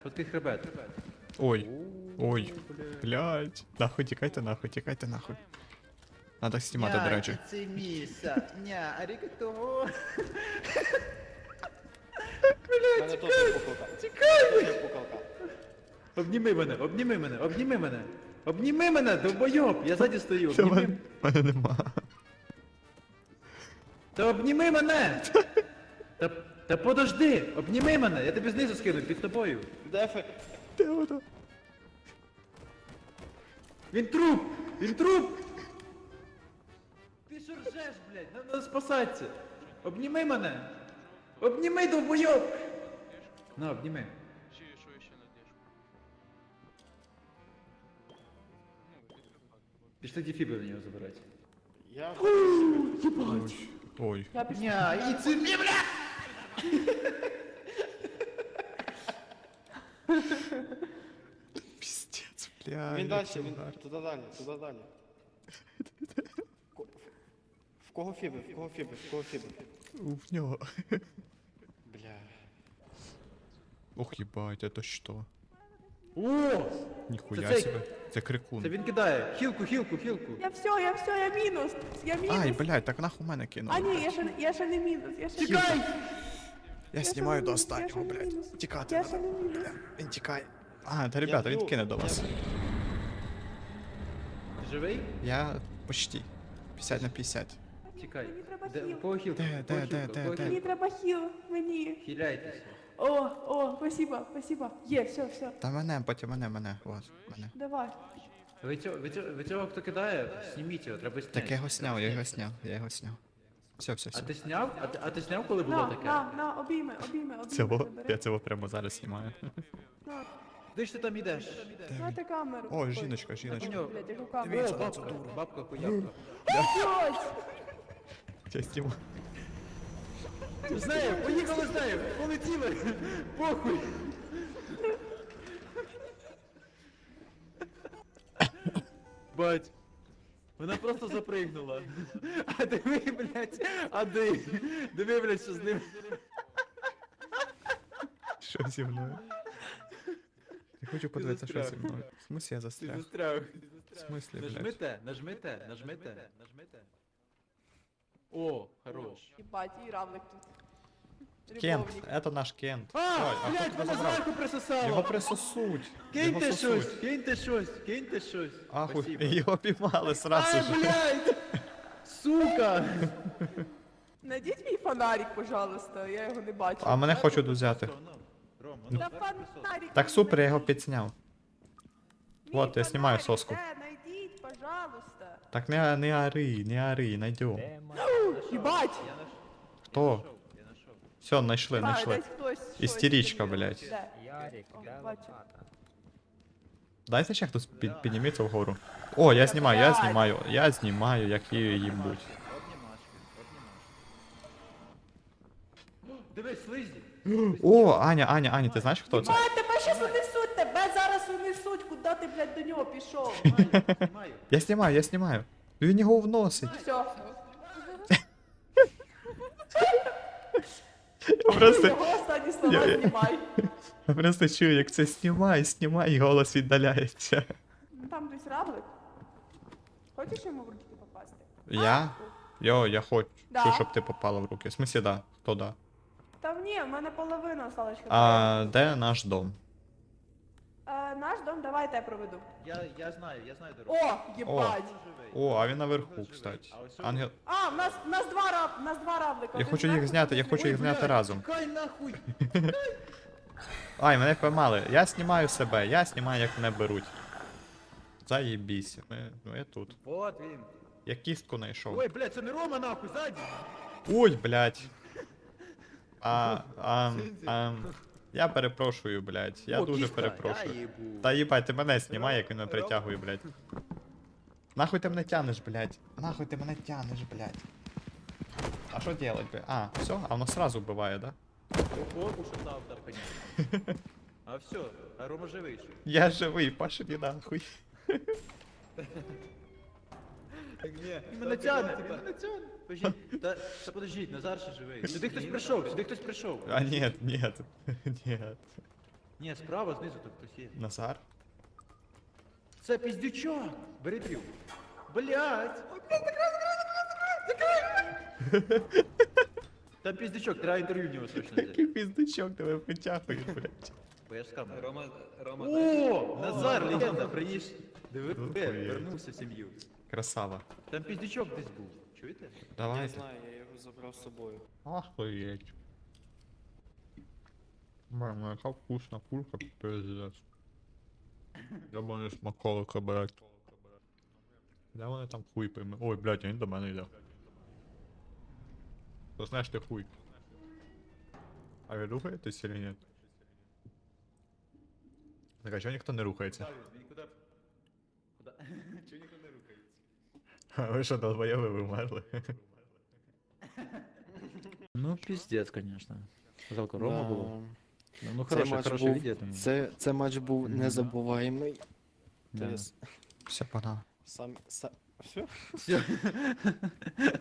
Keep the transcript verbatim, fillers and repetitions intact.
Фоткай хребет. Ой, ой, блядь. Нахуй, тікайте нахуй, тікайте нахуй. Надо знімати, до речі. Це міса. Ня, арігато. Мене теж пукалка. Тікай! Теж пукалка. Обніми мене, обніми мене, обніми мене. Обніми мене, довбойоб, я ззаді стою, Та обніми. мене, мене нема. Та обніми мене! Та, та подожди, обніми мене, я тобі знизу скину, під тобою. Дефи. Де воно? Він труп! Він труп! Ти що ржеш, блядь? Нам надо спасатися. Обніми мене! Обніми, довбойоб! На, обніми. Чи що ще надіж? Пішли дефіби на нього забирати. Я... Ой, ой. Я пішла. Ня, і це мі, бля! Піздець, блядь. Він далі, який він удар. туди далі, туди далі. Ко- В кого фіби, в кого фіби, в кого фіби? В нього. Бля. Ох, ебать, это что? О! Ніхуя Це цей. себе. Це крикун. Це він кидає. Хілку, хілку, хілку. Я все, я все, я мінус. Я мінус. Ай, блядь, так нахуй мене кинув. А ні, я ще, не- я ще не мінус. Я ще Тікай! Я ще знімаю не до мінус, я ще останнього, не блядь. мінус. Тікати Я надо. ще не мінус. Бля, він тікає. А, та ребята, він б'ю, кине до я вас. б'ю. Ти живий? Я почти. п'ятдесят на п'ятдесят. Мені треба Де, хіл. у кого хілка? Де, У кого де, де, хілка? де, У кого де? Мені хілка? треба хіл. Мені. Хиляйтеся. О, о, спасибо, спасибо. Є, все, все. Та мене, потім мене, мене. От, мене. Давай. Ви цього, ви цього, ви цього хто кидає, зніміть його, треба зняти. Так я його сняв, я його сняв, я його сняв. Все, все, А все. ти сняв? А ти, а ти сняв, коли було На, таке? на, на, обійми, обійми, обійми. Цього, забери. я цього прямо зараз знімаю. На, Куди ж ти там ідеш? Майте камеру. О, Ой, жіночка, жіночка. нього. Блядь, яку О, камеру. бабка, бабка хуявка. Блядь. Я знімаю. З нею, поїхали з нею, полетіли, похуй. Бать, вона просто запригнула. А диви, блядь, а диви, диви, блядь, що з ним. Що зі мною? Я хочу подивитися, що зі застряг. мною. В смысле я Ти застряг? застряг. В смысле, блядь? Нажмите, нажмите, нажмите, нажмите. О, хорош. Єбать, і равлик тут. Кент, Любовник. это наш Кент. А, Ой, а блядь, хто тебе мене забрав? зверху присосало. Його присосуть. Киньте Його щось, сосуть. киньте щось, киньте щось. Ахуй, Спасибо. його піймали сразу Ай, же. блядь! Сука! Найдіть мій фонарик, пожалуйста, я його не бачу. А мене хочуть взяти. Рома, ну, Та зверху присос. фонарик. Так супер, я його підсняв. Мій Вот, я знімаю фонарик, соску. Де, найдіть, пожалуйста. Так не, не ори, не ори, найдем. Єбать! Я наш... Хто? Я нашов, я нашов. Все, знайшли, А, знайшли. десь хтось щось Істеричка, собі. блядь. Де? Ярик, О, де бачу. лопата? Дайте ще хтось під, підніметься вгору. О, я знімаю, я Блядь. знімаю, я знімаю, як її їбуть. Обнімашки, обнімашки. О, Дивись, слизі. О, Аня, Аня, Аня, ти знаєш, хто це? А, тебе щас унесуть, тебе зараз унесуть, куди ти, блядь, до нього пішов. Знімаю, знімаю. Я знімаю, я знімаю. Він його вносить. Все. Я просто, Його останні слова Я- знімай. я просто чую, як це знімай, знімай, і голос віддаляється. Ну, там десь равлик. Хочеш йому в руки попасти? Я? Йо, я хочу, Да. щоб ти попала в руки. В смысле, да. Хто да? Та ні, в мене половина осталась. А де наш дом? Е, наш дом, давайте я проведу. Я, я знаю, я знаю дорогу. О, єбать. Живий. О, а він наверху, кстати. А ось Ангел. А, в нас, в нас два раб, в нас два равлика. Я Один хочу їх зверху, зняти, я другий хочу їх знизу. зняти разом. Чекай нахуй! Ай, мене поймали. Я знімаю себе, я знімаю, як мене беруть. Заєбісь. Ми, ну я тут. Вот він. Я кістку знайшов. Ой, блядь, це не Рома нахуй, ззаді. Ой, блядь. А, а, а, я перепрошую, блядь. Я О, дуже кістка, перепрошую. я їбу. Та їбать, ти мене знімай, як він мене притягує, блядь. Нахуй ти мене тянеш, блядь. Нахуй ти мене тянеш, блядь. А що делать, блядь? А, все, а воно сразу вбиває, да? Ого, ушатав, да, понятно. А все, а Рома живий ще. Я живий, пошли нахуй. Ні, мене тягне, мене тягне. Подождіть, та, та подождіть, Назар ще живий. Сюди хтось прийшов, сюди хтось прийшов. А нет, нет, нет. Ні, справа, знизу тут хтось є. Назар? Це піздючок! Бери дрів. Блять! Ой, блядь, закрой, закрой, закрой, закрой! Там піздючок, треба інтерв'ю в нього срочно взяти. Який піздичок тебе притягує, блядь. Бо я ж з камери. Рома, Рома, О, Назар, легенда, приїж. Диви, Охуєть. вернувся в сім'ю. Красава. Там піздючок десь був. Чуєте? Я Давайте. знаю, я його забрав з собою. Охуєть. Мама, яка вкусна курка, пиздец. Я б не смаколика, блядь. Де вони там хуй пойме? Ой, блядь, він до мене йде. То знаєш ти хуй. А ви рухаєтесь или ні? Так, а чого ніхто не рухається? Він куди? Куди? Чого ніхто не рухається? А ви що, долбоєви, ви вмерли? Ну, піздець, конечно. Жалко, Рома Да. було. Ну, ну Цей хороше, матч хороше був, відео. тому. це, це матч був Мгм. незабуваємий. Да. Тобто, Все, погнали. сам, сам, все? Все.